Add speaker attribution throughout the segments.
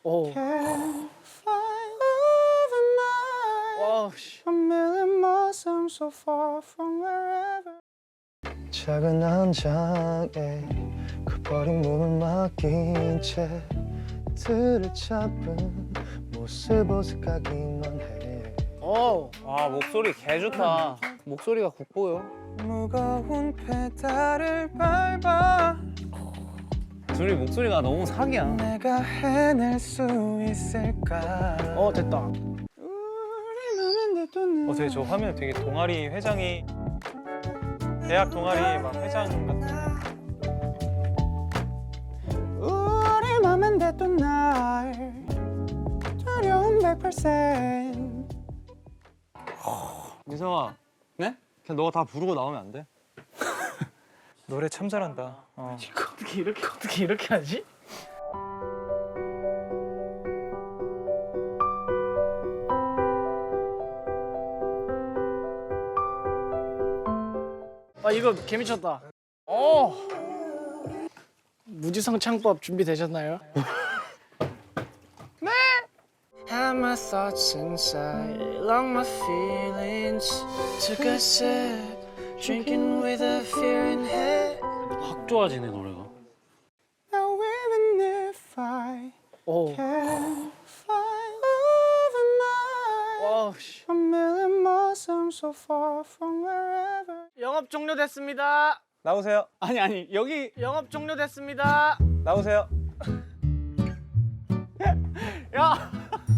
Speaker 1: 오.
Speaker 2: Can't fly over my
Speaker 1: 와, 씨.
Speaker 2: a million miles I'm so far from wherever. 작은 한 장에 그 버린 몸을 맡긴 채 틀을 잡은 모습 어색하기만 해.
Speaker 1: 오.
Speaker 3: 와 목소리 개 좋다. 목소리가 국보요.
Speaker 2: 무거운 페달을 밟아
Speaker 3: 둘이 목소리가 너무 사기야.
Speaker 2: 내가 해낼 수 있을까.
Speaker 1: 됐다.
Speaker 2: 되게 저 화면 되게 동아리 회장이 대학 동아리 막 회장 같은. 우리 맘은 됐던 날 두려운 100%.
Speaker 4: 미성아.
Speaker 3: 네?
Speaker 4: 그냥 너가 다 부르고 나오면 안 돼?
Speaker 2: 노래 참 잘한다.
Speaker 1: 어떻게 이렇게 하지? 이거 개미쳤다. 무지성 창법 준비되셨나요? 네. Had my thoughts inside, long my feelings. Took a sip, drinking with a fear in head.
Speaker 3: 확 좋아지네 노래가.
Speaker 2: Now even if I
Speaker 1: 오.
Speaker 2: can fly over my
Speaker 1: 와, 씨.
Speaker 2: a million miles I'm so far from wherever.
Speaker 1: 영업 종료됐습니다.
Speaker 2: 나오세요.
Speaker 3: 아니 여기
Speaker 1: 영업 종료됐습니다.
Speaker 2: 나오세요.
Speaker 1: 야.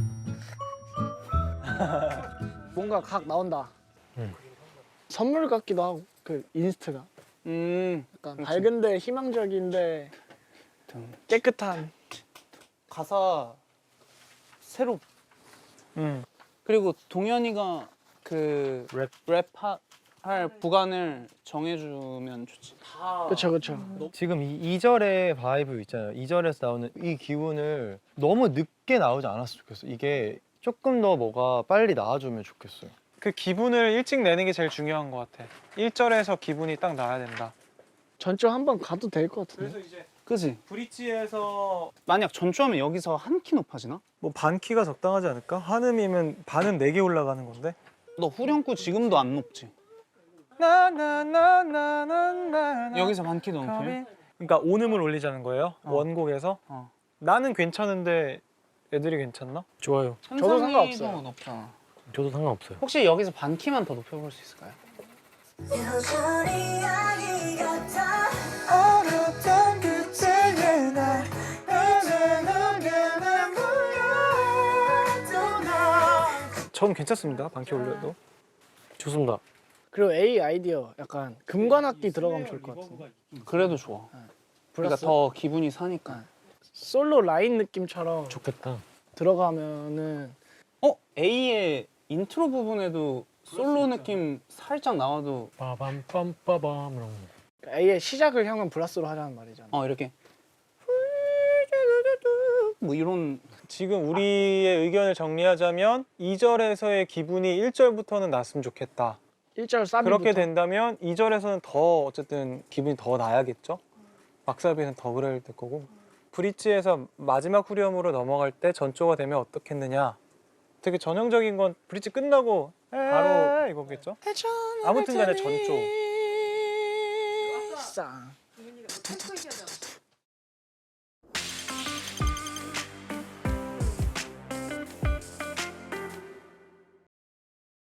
Speaker 1: 뭔가 각 나온다. 선물 같기도 하고 그 인스트가 약간 밝은데 희망적인데 깨끗한.
Speaker 3: 가사 새로. 그리고 동현이가 그 랩할 구간을 정해주면 좋지.
Speaker 1: 그렇죠.
Speaker 4: 지금 이 2절의 바이브 있잖아요. 2절에서 나오는 이 기분을 너무 늦게 나오지 않았으면 좋겠어. 이게 조금 더 뭐가 빨리 나와주면 좋겠어요.
Speaker 2: 그 기분을 일찍 내는 게 제일 중요한 것 같아. 1절에서 기분이 딱 나야 된다.
Speaker 1: 전주 한번 가도 될 것 같은데.
Speaker 2: 이제
Speaker 3: 그지?
Speaker 2: 브릿지에서
Speaker 3: 만약 전주하면 여기서 한 키 높아지나?
Speaker 2: 뭐 반 키가 적당하지 않을까? 한음이면 반은 4개 올라가는 건데.
Speaker 3: 너 후렴구 지금도 안 높지?
Speaker 2: 나나나나나나나
Speaker 3: 여기서 반 키 더 높아요?
Speaker 2: 그러니까 온음을 올리자는 거예요. 원곡에서.
Speaker 3: 어.
Speaker 2: 나는 괜찮은데 애들이 괜찮나? 좋아요.
Speaker 1: 저도 상관없어요.
Speaker 3: 높잖아.
Speaker 4: 저도 상관없어요.
Speaker 3: 혹시 여기서 반 키만 더 높여볼 수 있을까요?
Speaker 5: 여전히 아이 같아
Speaker 2: 어렸던 그때의 나 이제 너게 몰라도 나. 전 괜찮습니다. 반키 올려도. 좋습니다.
Speaker 1: 그리고 A 아이디어 약간 금관악기 들어가면 좋을 것 같은데.
Speaker 3: 그래도 좋아. 그러니까
Speaker 1: 플러스
Speaker 3: 더 기분이 사니까.
Speaker 1: 솔로 라인 느낌처럼
Speaker 4: 좋겠다.
Speaker 1: 들어가면은
Speaker 3: A의 인트로 부분에도 솔로 느낌 살짝 나와도
Speaker 4: 빠밤빰빠밤 이런 거.
Speaker 1: A의 시작을 형은 브라스로 하자는 말이잖아.
Speaker 3: 이렇게 뭐 이런.
Speaker 2: 지금 우리의 의견을 정리하자면 2절에서의 기분이 1절부터는 났으면 좋겠다.
Speaker 1: 1절 사비부터.
Speaker 2: 그렇게 된다면 2절에서는 더 어쨌든 기분이 더 나야겠죠. 막사비는 더 그래야 될 거고. 브릿지에서 마지막 후렴으로 넘어갈 때 전조가 되면 어떻겠느냐. 되게 전형적인 건 브릿지 끝나고 바로 이거겠죠. 아무튼간에 전조.
Speaker 1: 싸.